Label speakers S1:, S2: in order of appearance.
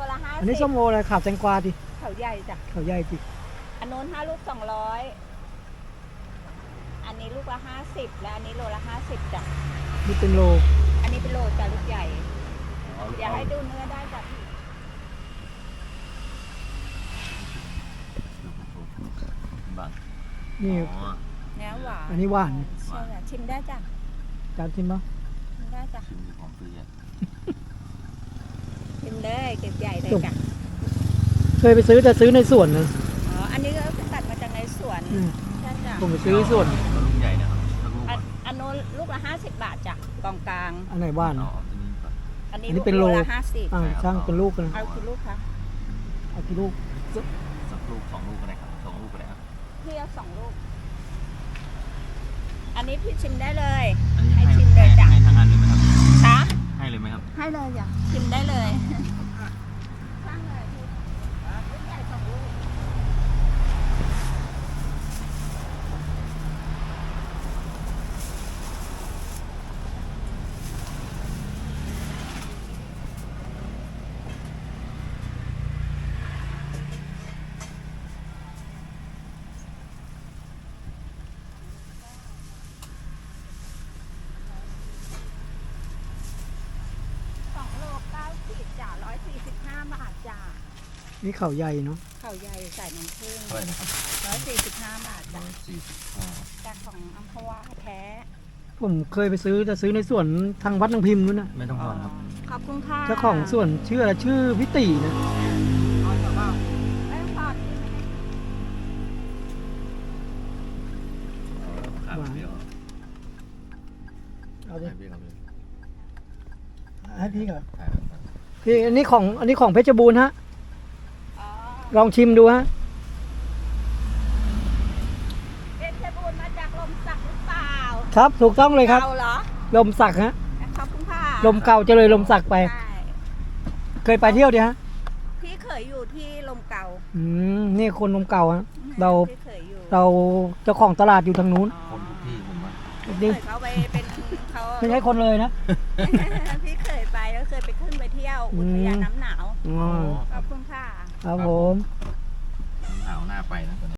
S1: ละ50
S2: อันนี้ส้มโออะไรขาวแตงกวาดิ
S1: เขาใหญ่จ้ะ
S2: เขาใหญ่ดิ
S1: อันโน้น5 ลูก 200อันนี้ลูกละ50และอันนี้โลละ50จ้ะ
S2: นี่เป็นโล
S1: อันนี้เป็นโลจ้ะลูกใหญ่อยากให้ดูเนื้อได้จ้ะพี่
S3: บัง
S2: นี่
S3: อ๋อ
S1: เนื้อหวาน
S2: อันนี้หวาน
S1: ใช่จ้ะชิมได้จ้ะ
S2: จานชิมปะ
S1: ชิมได้จ้ะ
S3: ชิมของฟรีอ่ะ
S1: ชิมเลยเก็บใหญ่เลยจ้ะ
S2: เคยไปซื้อแต่ซื้อในสวนนะ
S1: อ๋ออันนี้ก็ตัดมาจากในสวน
S2: อืม
S1: ใช่จ้ะ
S2: ผมไปซื้อในสวน
S3: แล้วลูกใหญ่นะครับแล้วลูก
S1: อัน
S3: อ่ะ
S1: อันโน้นลูกละ50 บาทจ้ะกองกลาง
S2: อันไหนบ้าน
S3: อ๋อตัวนี้ก่อน
S1: อันนี้
S2: อันนี้เป็นโล
S1: ละ50
S2: อ่าช่างเป็นลูกนะ
S1: เอากี่ลูกคะ
S2: เอากี่ลูก
S3: สักลูกสองลูกก็ได้ครับสองลูกก็ได้ครับ
S1: พี่เอา2 ลูก อันนี้พี่ชิมได้เลย
S3: อันนี้
S1: ให้ชิมเลยจ้ะ
S3: ให้ทางอันเลยไหมครับ
S1: คะ
S3: ให้เลยไหมครับ
S1: ให้เลยจ้ะชิมได้เลยช่างเลยพี่ลูกใหญ่2 ลูก 2 โล 9 ขีดจ้ะ145 บาทจ้ะ
S2: นี่เขาใหญ่เนาะ
S1: เขาใหญ่ใส่น้ำผึ้ง
S3: เท่าไหร่นะครับ
S1: 145 บาทจ้ะ
S3: 145
S1: จากของอัมพวาแท้
S2: ผมเคยไปซื้อแต่ซื้อในสวนทางวัดนางพิมพ์นู้นนะ
S3: ไม่ต้องทอนครับ
S1: ขอบคุณค่ะ
S2: เจ้าของสวนชื่ออะไรชื่อพิตินะ
S1: ไม่ต้องทอน
S3: ครับเดี๋ยว
S2: เอาดิ
S3: ให้พี่เขาเลย
S2: ให้พี่ก่อน
S3: ถ่ายไว้ก่อน
S2: พี่อันนี้ของเพชรบูรณ์ฮะ
S1: อ๋อ
S2: ลองชิมดูฮะ
S1: เพชรบูรณ์มาจากลมสักหรือเปล่า
S2: ครับถูกต้องเลยครับ
S1: เก่าเหรอ
S2: ลมสักฮะ
S1: ขอบคุณค่ะ
S2: ลมเก่าจะเลยลมสักไป
S1: ใช่
S2: เคยไปเที่ยวดิฮะ
S1: พี่เคยอยู่ที่ลมเก่า
S2: นี่คนลมเก่าฮะ เรา
S1: พี่เคยอยู่
S2: เราเจ้าของตลาดอยู่ทางนู้น
S3: คนทุกที่ผมว่า
S2: นี่
S1: เคยเขาไปเป็นเขา
S2: ไม่ใช่คนเลยนะ
S1: พี่เคยไปแล้วเคยไปขึ้นไปเที่ยวอุทยานน้ำหนาว
S2: อ๋อ
S1: ขอบคุณค่ะ
S2: ครับผม
S3: หนาวหน้าไปนะตอนนี้